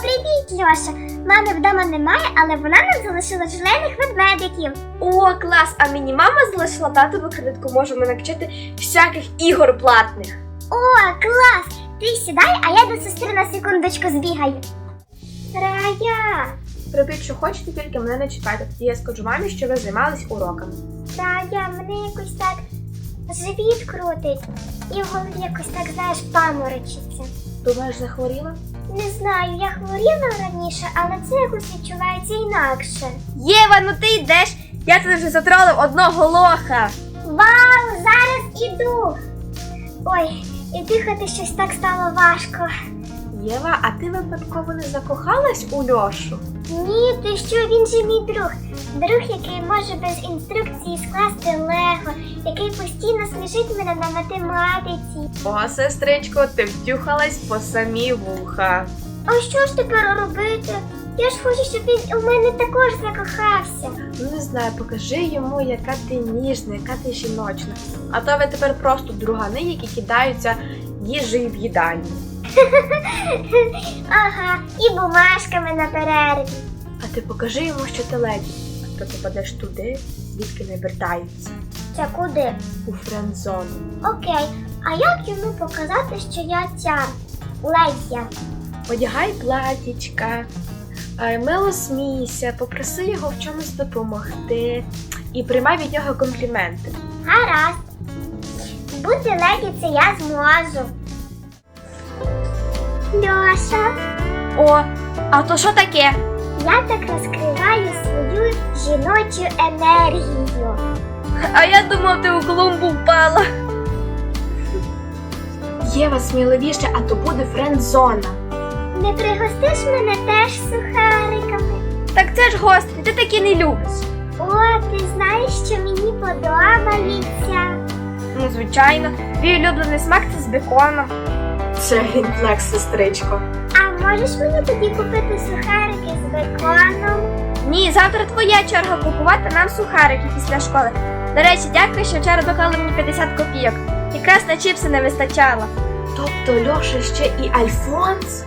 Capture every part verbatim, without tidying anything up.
Привіт, Льоша! Мами вдома немає, але вона нам залишила желейних ведмедиків. О, клас! А мені мама залишила татову кредитку, можемо накачати всяких ігор платних. О, клас! Ти сідай, а я до сестри на секундочку збігаю. Рая! Робіть, що хочете, тільки мене не чіпайте. Тоді я скажу мамі, що ви займались уроками. Рая, мене якось так живіт крутить. І в голові якось так, знаєш, паморочиться. Думаєш, захворіла? Не знаю, я хворіла раніше, але це якось відчувається інакше. Єва, ну ти йдеш! Я тебе вже затролив одного лоха! Вау, зараз іду! Ой, і дихати щось так стало важко. Єва, а ти випадково не закохалась у Льошу? Ні, ти що, він же мій друг. Друг, який може без інструкції скласти лего, який постійно смішить мене на математиці. О, сестричко, ти втюхалась по самі вуха. А що ж тепер робити? Я ж хочу, щоб він у мене також закохався. Ну не знаю, покажи йому, яка ти ніжна, яка ти жіночна. А то ви тепер просто другани, які кидаються їжею в їдальні. Ага, і бумажками на перерві. А ти покажи йому, що ти леді, а то попадеш туди, звідки не вертаються. Це куди? У френдзону. Окей, а як йому показати, що я ця ледя? Одягай платічка, е, мило смійся, попроси його в чомусь допомогти і приймай від нього компліменти. Гаразд. Бути леді це я зможу. Льоша, О, а то що таке? я так розкриваю свою жіночу енергію. А я думав, ти у клумбу впала. Єва, сміливіше, а то буде френдзона. Не пригостиш мене теж сухариками? Так це ж гострі, ти такі не любиш. О, ти знаєш, що мені подобається. Ну, звичайно, твій улюблений смак це з беконом. Це гінфлекс, сестричко. А можеш мені тоді купити сухарики з беконом? Ні, завтра твоя черга купувати нам сухарики після школи. До речі, дякую, що вчора доклали мені п'ятдесят копійок. Якраз на чіпси не вистачало. Тобто Льоша ще і Альфонс?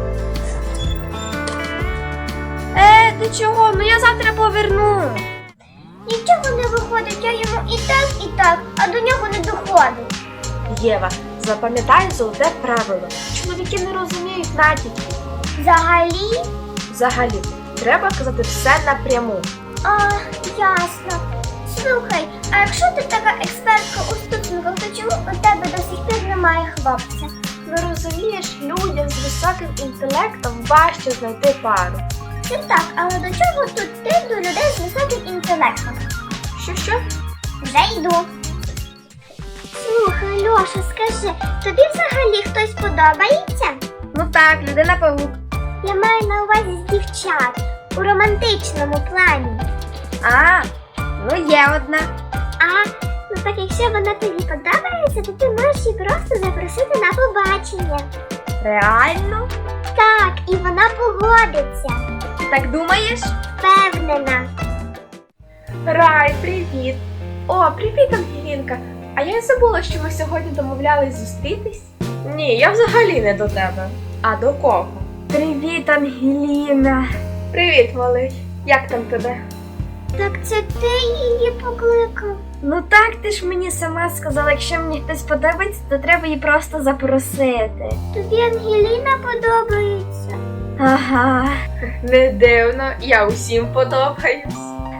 Е, ти чого? Ну я завтра поверну. Нічого не виходить, я йому і так, і так, а до нього не доходить. Єва, запам'ятай золоте правило. Чоловіки не розуміють натяків. Взагалі? Взагалі, треба казати все напряму. А, ясно. Слухай, а якщо ти така експертка у стосунках, то чому у тебе до сих пір немає хлопця? Ну розумієш, людям з високим інтелектом важче знайти пару. Це так, але до чого тут ти до людей з високим інтелектом? Що-що? Вже йду. Слухай, Льоша, скажи, тобі взагалі хтось подобається? Ну так, людина павук. Я маю на увазі з дівчат, у романтичному плані. А, ну є одна. А, ну так якщо вона тобі подобається, то ти можеш її просто запросити на побачення. Реально? Так, і вона погодиться. Так думаєш? Впевнена. Рай, привіт. О, привіт, Ангелінка. А я й забула, що ми сьогодні домовлялись зустрітись. Ні, я взагалі не до тебе. А до кого? Привіт, Ангеліна. Привіт, малий. Як там тебе? Так це ти її покликав? Ну так, ти ж мені сама сказала, якщо мені хтось подобається, то треба її просто запросити. Тобі Ангеліна подобається? Ага. Не дивно, я усім подобаюсь.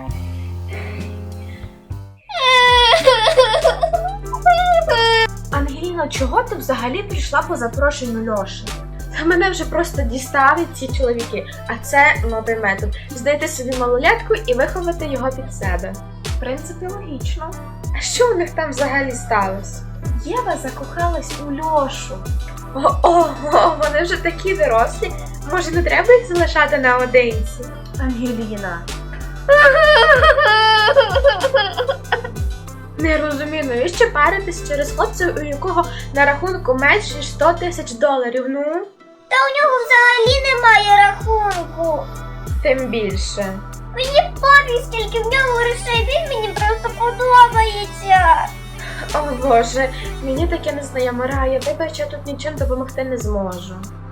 Ангеліно, чого ти взагалі прийшла по запрошенню Льоші? Та мене вже просто дістали ці чоловіки, а це новий метод. Знайти собі малолетку і виховати його під себе. В принципі, логічно. А що у них там взагалі сталося? Єва закохалась у Льошу. О-о-о, вони вже такі дорослі. Може, не треба їх залишати наодинці? Ангеліна. Не розумію, навіщо паритись через хлопця, у якого на рахунку менше ніж сто тисяч доларів, ну? Та у нього взагалі немає рахунку. Тим більше. Мені пофіг, скільки в нього грошей, він мені просто подобається. О боже, мені таке незнайоме, Рая, вибач, я тут нічим допомогти не зможу.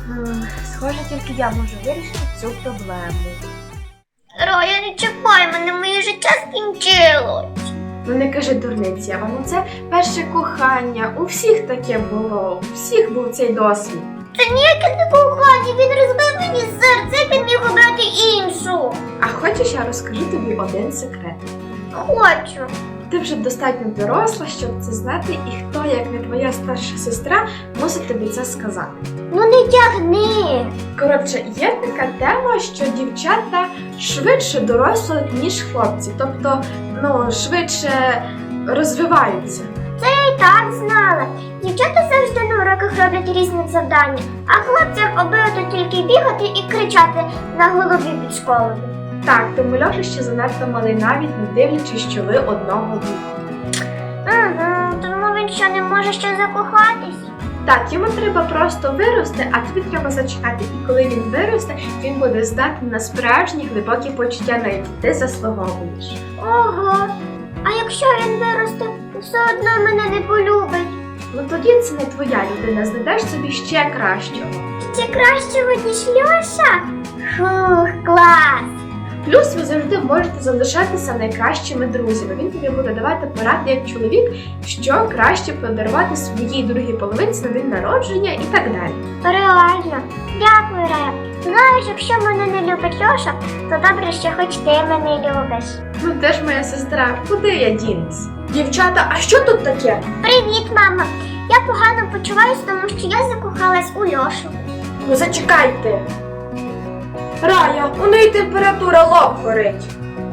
М, Схоже, тільки я можу вирішити цю проблему. Рая, не чекай мене, моє життя скінчилось. Ну не кажи дурниці, а воно це перше кохання. У всіх таке було, у всіх був цей досвід. Це ніяке не кохання, він розбив мені серце, як він міг обрати іншу. А хочеш, я розкажу тобі один секрет. Хочу. Ти вже достатньо доросла, щоб це знати, і хто, як не твоя старша сестра, мусить тобі це сказати. Ну не тягни. Коротше, є така тема, що дівчата швидше дорослі, ніж хлопці. Тобто, ну, швидше розвиваються. Я й так знала. Дівчата завжди на уроках роблять різні завдання, а хлопцям обидва тільки бігати і кричати на голові під школою. Так, тому Льоша ще занадто малий, навіть не дивлячись, що ви одного віку. Ага, тому він що не може ще закохатись? Так, йому треба просто вирости, а тобі треба зачекати. І коли він виросте, він буде здатний на справжні глибокі почуття, на які ти заслуговуєш. Ого. А якщо він виросте, все одно мене не полюбить. Ну тоді це не твоя людина, знайдеш собі ще кращого. Ще кращого, ніж Льоша? Фух, клас! Плюс ви завжди можете залишатися найкращими друзями. Він тобі буде давати поради як чоловік, що краще подарувати своїй другій половинці на день народження і так далі. Реально. Дякую, Рая. Знаєш, якщо мене не любить Льоша, то добре, що хоч ти мене любиш. Ну де ж моя сестра, куди я дінусь? Дівчата, а що тут таке? Привіт, мама. Я погано почуваюсь, тому що я закохалась у Льошу. Ну зачекайте. Рая, у неї температура, лоб горить.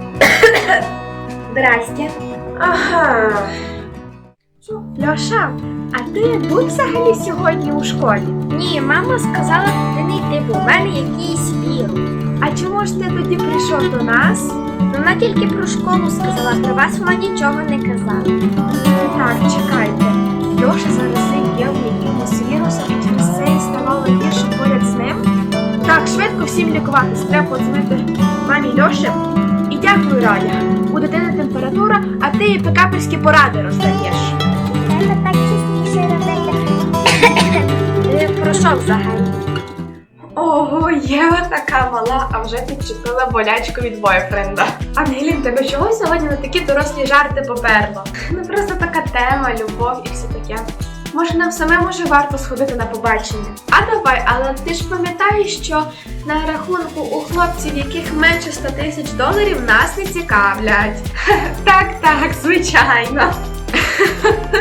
Здрасте. Ага. Льоша, а ти був взагалі сьогодні у школі? Ні, мама сказала, ти не йти, бо в мене якийсь вірус. А чому ж ти тоді прийшов до нас? Вона тільки про школу сказала, про вас вона нічого не казала. Так, чекайте. Льоша заразив Єву якимось вірусом, і через це і ставало гірше поряд з ним. Так, швидко всім лікуватись. Треба подзвонити мамі Льоші. І дякую, Рая. У дитини температура, а ти їй пекаперські поради роздаєш. Треба так частіше робити. Ти про що взагалі? Ого, Єва така мала, а вже підчепила болячку від бойфренда. Ангелін, тебе чого сьогодні на такі дорослі жарти поперло? Ну просто така тема, любов і все таке. Може, нам самим уже варто сходити на побачення? А давай, але ти ж пам'ятаєш, що на рахунку у хлопців, яких менше ста тисяч доларів, нас не цікавлять. Так, так, звичайно.